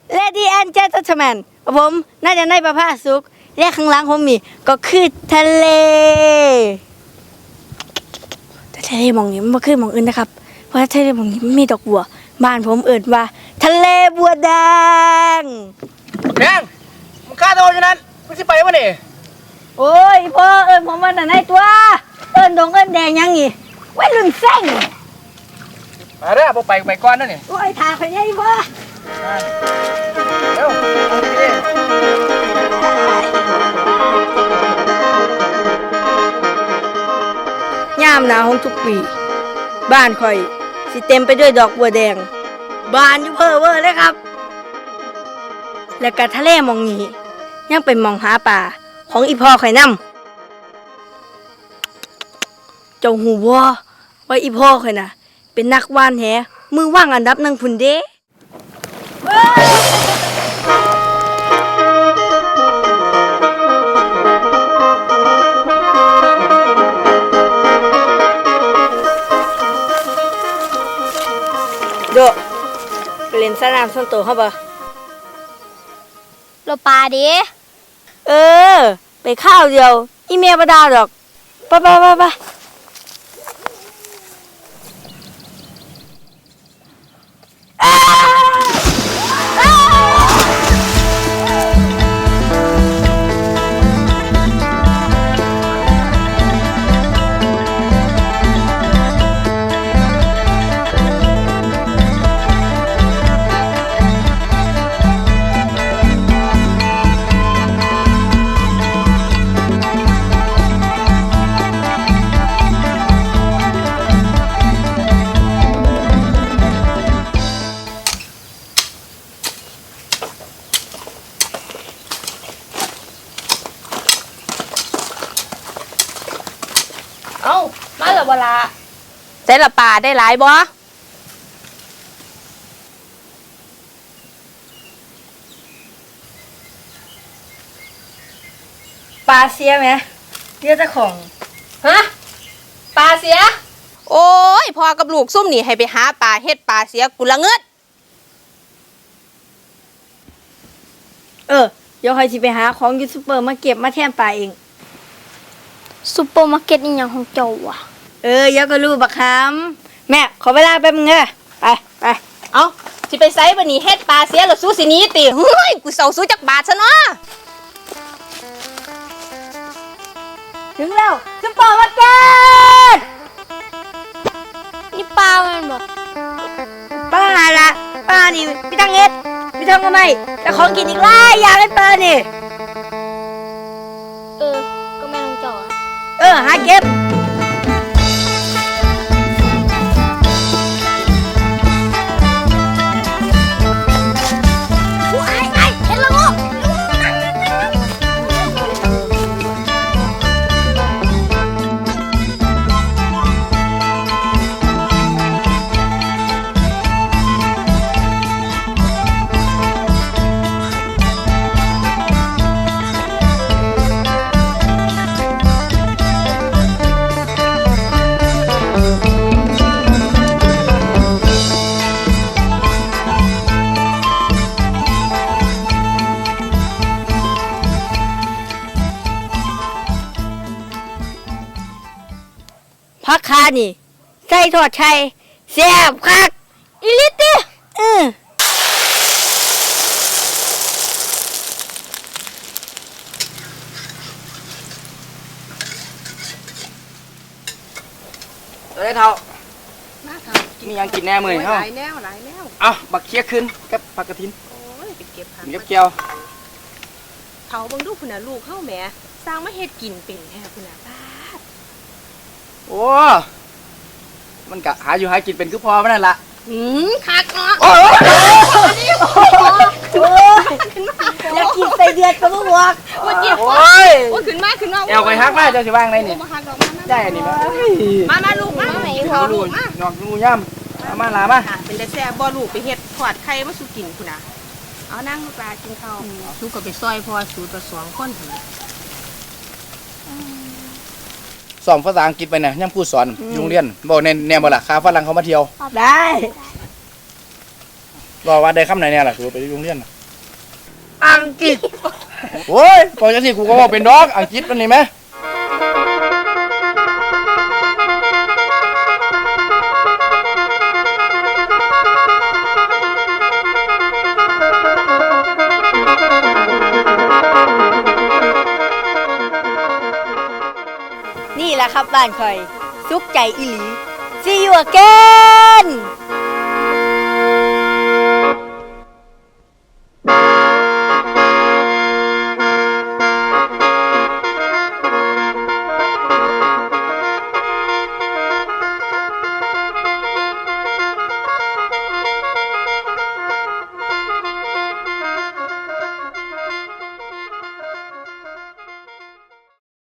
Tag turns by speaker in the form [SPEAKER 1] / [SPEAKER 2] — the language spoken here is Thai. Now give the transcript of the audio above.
[SPEAKER 1] Lady and Gentlemen ผมน่าจะในประภาสุขและข้างหลังผมมีก็คือทะเลแต่ทะเลมองนี้มันไม่คือมองอื่นนะครับเพราะทะเลมองนี้มันมีดอกบัวบ้านผมเอิ่นว่าทะเลบัวแดง
[SPEAKER 2] แดงมึงฆ่าตัวอยู่นั้นมึงสิไปวะนี่
[SPEAKER 1] โอ้ยพ่อเอิ่นผมว่าแต่ไหนตัวเอิ่นดงเอิ่นแดงยังงี้ไว้รุ่นแซง
[SPEAKER 2] มาเด้อบ่ไปก่อนนั่นนี่
[SPEAKER 1] โอ้ยทาไปยัยพ่อ
[SPEAKER 2] เร็วย
[SPEAKER 1] ามหนาวของทุกปีบ้านข่อยสิเต็มไปด้วยดอกบัวแดงบานอยู่เพ้อเว้อเลยครับและก็ทะเลมองนี้ยังเป็นมองหาป่าของอีพ่อข่อยนำเจ้าหูว่าอีพ่อข่อยน่ะเป็นนักว่านแหมือว่างอันดับ1พุ่นเด้โดไปเล่นสนามส่วนตัวเขาบ่
[SPEAKER 3] เราปลาดิ
[SPEAKER 1] ไปข้าวเดียวอีเมียบ่ด่าดอกไป
[SPEAKER 3] เอ้ามาแล้วเวลาแต่ละปลาได้หลายบ่
[SPEAKER 1] ปลาเสียไหมเรียกเจ้าของ
[SPEAKER 3] ฮะปลาเสียโอ้ยพอกับลูกซุ่มนี่ให้ไปหาปลาเฮ็ดปลาเสียกูละเงิด
[SPEAKER 1] เดี๋ยวใครสิไปหาของยูทูบเบอร์มาเก็บมาแทนปลาเอง
[SPEAKER 3] ซุปเปอร์มาร์เก็ตอีหยังของเจ้าวะ
[SPEAKER 1] เดี๋ยวก็รู้บักคำแม่ขอเวลาแป๊บนึงไป
[SPEAKER 3] เอ้าสิไปไสบัดนี้เฮ็ดปลาเสียแล้วสู้สิหนีติเฮ้ยกูเซาสู้จักบาทซะเนาะ
[SPEAKER 1] ถึงแล้วซุปเปอร์มาร์เก็ต
[SPEAKER 3] นี่ปลามันบ่
[SPEAKER 1] ปลาละปลานี่พี่ตังเอ็ดพี่ทำก็ไม่แต่ของกินอีกหลายอย่างเลยปลานี่
[SPEAKER 3] ก็แม่นของเจ้า
[SPEAKER 1] หาเก็บพักคานี่ใส่ทอดไข่แซ่บคัก
[SPEAKER 3] อีลิติ
[SPEAKER 2] ตัวได้เท่ามียังกินแน่มือนี่เฮา
[SPEAKER 4] หลายแนว
[SPEAKER 2] บักเคี้ยขึ้นกับผักกระถิน
[SPEAKER 4] โอ้ยไปเก็บผัก
[SPEAKER 2] เก็บเกี่ยว
[SPEAKER 4] เฒ่าเบิ่งดูพุ่นน่ะลูกเฮาแหมสร้างมาเฮ็ดกินเป็นแท้พุ่นน่ะบาด
[SPEAKER 2] โอ้มันกะหาอยู่หากินเป็นคือพอมันนั่นล่ะ
[SPEAKER 4] คักเนาะ
[SPEAKER 2] โอ้ย
[SPEAKER 1] อยากกินใส่เดือดก็บ่บอก
[SPEAKER 4] ว่าเก็บ
[SPEAKER 2] โอ้ย
[SPEAKER 4] ขึ้นมา
[SPEAKER 2] แอวไปฮักมาเจ้าสิว่างได้นี่ได้อันนี้
[SPEAKER 4] มาลูกมาแม่เฒ่าลูกมา
[SPEAKER 2] นอกงูย่ำมาลามา
[SPEAKER 4] เป็นแต่แซ่บบ่ลูกไปเฮ็ดทอดไข่มาสู่กินพุ่นน่ะเอานั่งปลากินข้าวลูกก็ไปซอยพอสูตร2คนพุ่น
[SPEAKER 2] สอนภาษาอังกฤษไปเนี่ยยังพูดสอนโรงเรียนบอกในแนวบ่ล่ะคาฝรั่งเขามาเที่ยว
[SPEAKER 1] ได้
[SPEAKER 2] บอกว่าได้คำไหนเนี่ยล่ะถือไปโรงเรียนอังกฤษโอ้ยก่อนจะสิกูก็ว่าเป็นดอกอังกฤษมันนี่ไหม
[SPEAKER 1] นี่แหละครับบ้านข่อยสุขใจอีหลี See you again